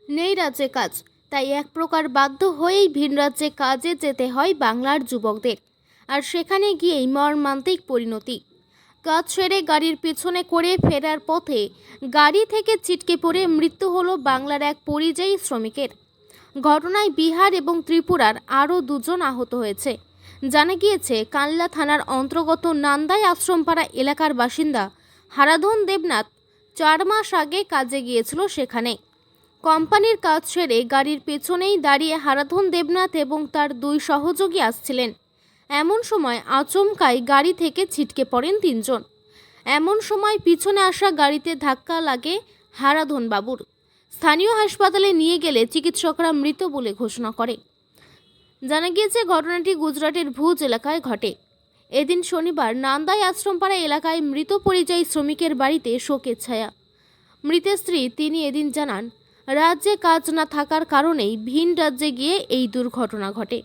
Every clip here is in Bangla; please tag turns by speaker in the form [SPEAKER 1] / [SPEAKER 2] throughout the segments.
[SPEAKER 1] নেই রাজ্যে কাজ, তাই এক প্রকার বাধ্য হয়েই ভিন রাজ্যে কাজে যেতে হয় বাংলার যুবকদের। আর সেখানে গিয়েই মর্মান্তিক পরিণতি। কাজ ছেড়ে গাড়ির পেছনে করে ফেরার পথে গাড়ি থেকে ছিটকে পড়ে মৃত্যু হলো বাংলার এক পরিযায়ী শ্রমিকের। ঘটনায় বিহার এবং ত্রিপুরার আরও দুজন আহত হয়েছে। জানা গিয়েছে, কানলা থানার অন্তর্গত নান্দাই আশ্রমপাড়া এলাকার বাসিন্দা হারাধন দেবনাথ 4 মাস আগে কাজে গিয়েছিল সেখানে। কোম্পানির কাজ ছেড়ে গাড়ির পেছনেই দাঁড়িয়ে হারাধন দেবনাথ এবং তার 2 সহযোগী আসছিলেন। এমন সময় আচমকাই গাড়ি থেকে ছিটকে পড়েন 3 জন। এমন সময় পিছনে আসা গাড়িতে ধাক্কা লাগে হারাধন বাবুর। স্থানীয় হাসপাতালে নিয়ে গেলে চিকিৎসকরা মৃত বলে ঘোষণা করে। জানা গিয়েছে, ঘটনাটি গুজরাটের ভুজ এলাকায় ঘটে। এদিন শনিবার নান্দাই আশ্রমপাড়া এলাকায় মৃত পরিযায়ী শ্রমিকের বাড়িতে শোকের ছায়া। মৃতের স্ত্রী তিনি এদিন জানান, রাজ্যে কাজ না থাকার কারণেই ভিন রাজ্যে গিয়ে এই দুর্ঘটনা ঘটে।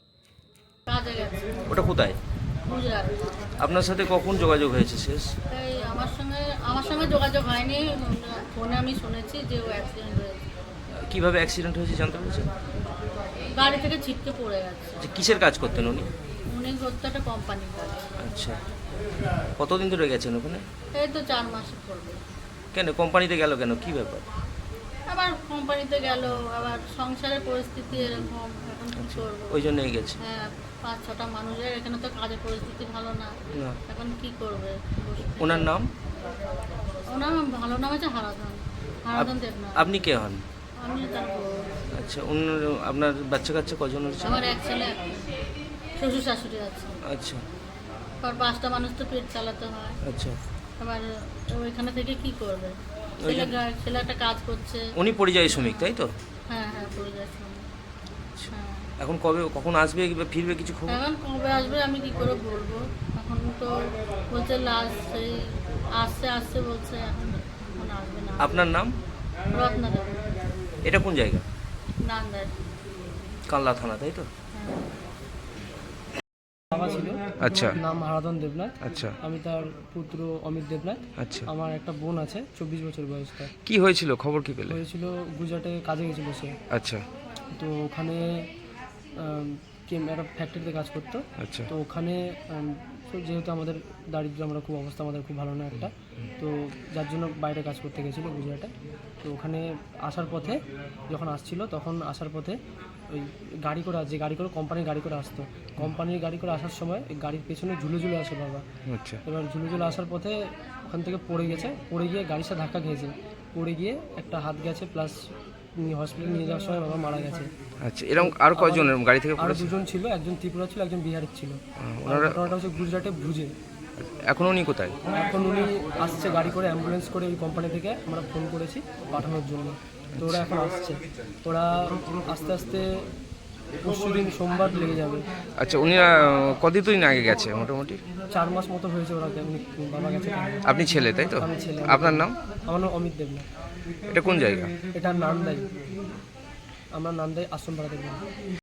[SPEAKER 2] ওটা কোথায়?
[SPEAKER 3] গুজরাট।
[SPEAKER 2] আপনার সাথে কখন যোগাযোগ হয়েছে শেষ?
[SPEAKER 3] তাই আমার সঙ্গে যোগাযোগ হয়নি, ফোনে আমি শুনেছি যে ও অ্যাক্সিডেন্ট হয়েছে।
[SPEAKER 2] কিভাবে অ্যাক্সিডেন্ট হয়েছে জানতে পেরেছেন?
[SPEAKER 3] গাড়ি থেকে ছিটকে পড়ে গেছে।
[SPEAKER 2] যে কিসের কাজ করতেন উনি?
[SPEAKER 3] উনি করতে একটা কোম্পানির কাজ।
[SPEAKER 2] আচ্ছা, কতদিন ধরে গেছেন ওখানে?
[SPEAKER 3] এই তো 4 মাসে পড়বে।
[SPEAKER 2] কেন কোম্পানিতে গেল কেন, কি ব্যাপার?
[SPEAKER 3] আবার কোম্পানিতে গেল, আবার সংসারের পরিস্থিতি এরকম, এখন কি করবো।
[SPEAKER 2] ওই জন্যই গেছে।
[SPEAKER 3] হ্যাঁ, 5-6টা মানুষের এখানে তো কাজের পরিস্থিতি ভালো না,
[SPEAKER 2] না।
[SPEAKER 3] এখন কি করবে।
[SPEAKER 2] ওনার নাম?
[SPEAKER 3] ওনার ভালো নাম আছে হারাধন দেবনাথ।
[SPEAKER 2] আপনি কে হন?
[SPEAKER 3] আমি তার বউ।
[SPEAKER 2] আচ্ছা, আপনার বাচ্চা কাচ্চা কজন হচ্ছে?
[SPEAKER 3] আমার এক ছেলে, শ্বশুর শাশুড়ি আছে।
[SPEAKER 2] আচ্ছা
[SPEAKER 3] আর 5টা মানুষ তো পেট চালাতে হয়।
[SPEAKER 2] আচ্ছা।
[SPEAKER 3] আবার ওইখানে থেকে কি করবে। ছেলে একটা কাজ করছে।
[SPEAKER 2] উনি পরিযায়ী শ্রমিক তাই তো?
[SPEAKER 3] হ্যাঁ হ্যাঁ, পড়ে যাচ্ছে। হ্যাঁ,
[SPEAKER 2] এখন কখন আসবে কিংবা ফিরবে কিছু খবর?
[SPEAKER 3] এখন কবে আসবে আমি কি করে বলবো। এখন তো বলছে লাস্ট সেই আসছে বলছে, এখন আসবে না।
[SPEAKER 2] আপনার নাম?
[SPEAKER 3] রত্না দেব,
[SPEAKER 2] এটা কোন জায়গা?
[SPEAKER 3] নান্দাই।
[SPEAKER 2] কানলা থানা তাই তো?
[SPEAKER 3] হ্যাঁ।
[SPEAKER 4] বাবা ছিল,
[SPEAKER 2] আচ্ছা
[SPEAKER 4] নাম হারাধন দেবনাথ।
[SPEAKER 2] আচ্ছা
[SPEAKER 4] আমি তার পুত্র অমিত দেবনাথ।
[SPEAKER 2] আচ্ছা।
[SPEAKER 4] আমার একটা বোন আছে, 24 বছর বয়স তার।
[SPEAKER 2] কি হয়েছিল, খবর কি পেলে?
[SPEAKER 4] হয়েছিল গুজরাটে কাজে গেছিল সে।
[SPEAKER 2] আচ্ছা
[SPEAKER 4] তো ওখানে একটা ফ্যাক্টরিতে কাজ করতো।
[SPEAKER 2] আচ্ছা
[SPEAKER 4] তো ওখানে তো যেহেতু আমাদের দারিদ্র, আমরা খুব অবস্থা আমাদের খুব ভালো না একটা, তো যার জন্য বাইরে কাজ করতে গেছিলো গুজরাটে। তো ওখানে আসার পথে যখন আসছিল, তখন আসার পথে ওই গাড়ি করে কোম্পানির গাড়ি করে আসতো। কোম্পানির গাড়ি করে আসার সময় এই গাড়ির পেছনে ঝুলে আসে বাবা।
[SPEAKER 2] আচ্ছা
[SPEAKER 4] এবার ঝুলে আসার পথে ওখান থেকে পড়ে গিয়ে গাড়ির সাথে ধাক্কা খেয়েছে। পড়ে গিয়ে একটা হাত গেছে, প্লাস হসপিটালে নিয়ে যাওয়ার সময় বাবা মারা গেছে।
[SPEAKER 2] আচ্ছা, এরকম আর কয়জন গাড়ি থেকে
[SPEAKER 4] আরও
[SPEAKER 2] পড়েছে?
[SPEAKER 4] 2জন ছিল, একজন ত্রিপুরা ছিল, একজন বিহারের ছিল।
[SPEAKER 2] ওনারা
[SPEAKER 4] ঘটনাটা হচ্ছে গুজরাটে ভুজে।
[SPEAKER 2] এখন উনি কোথায়?
[SPEAKER 4] এখন উনি আসছে গাড়ি করে, অ্যাম্বুলেন্স করে ওই কোম্পানি থেকে আমরা ফোন করেছি পাঠানোর জন্য। তো ওরা এখন আসছে, ওরা আস্তে আস্তে পরশুদিন সোমবার লেগে যাবে।
[SPEAKER 2] আচ্ছা, উনি কতদিন আগে গেছে মোটামুটি?
[SPEAKER 4] 4 মাস মতো হয়েছে ওরা, বাবা গেছে।
[SPEAKER 2] আপনি ছেলে তাই তো?
[SPEAKER 4] আমি ছেলে।
[SPEAKER 2] আপনার নাম?
[SPEAKER 4] আমার নাম অমিত দেবনাথ।
[SPEAKER 2] এটা কোন জায়গা?
[SPEAKER 4] এটা নান্দাই, আমরা নান্দাই আশ্রম পাড়া দেখলাম।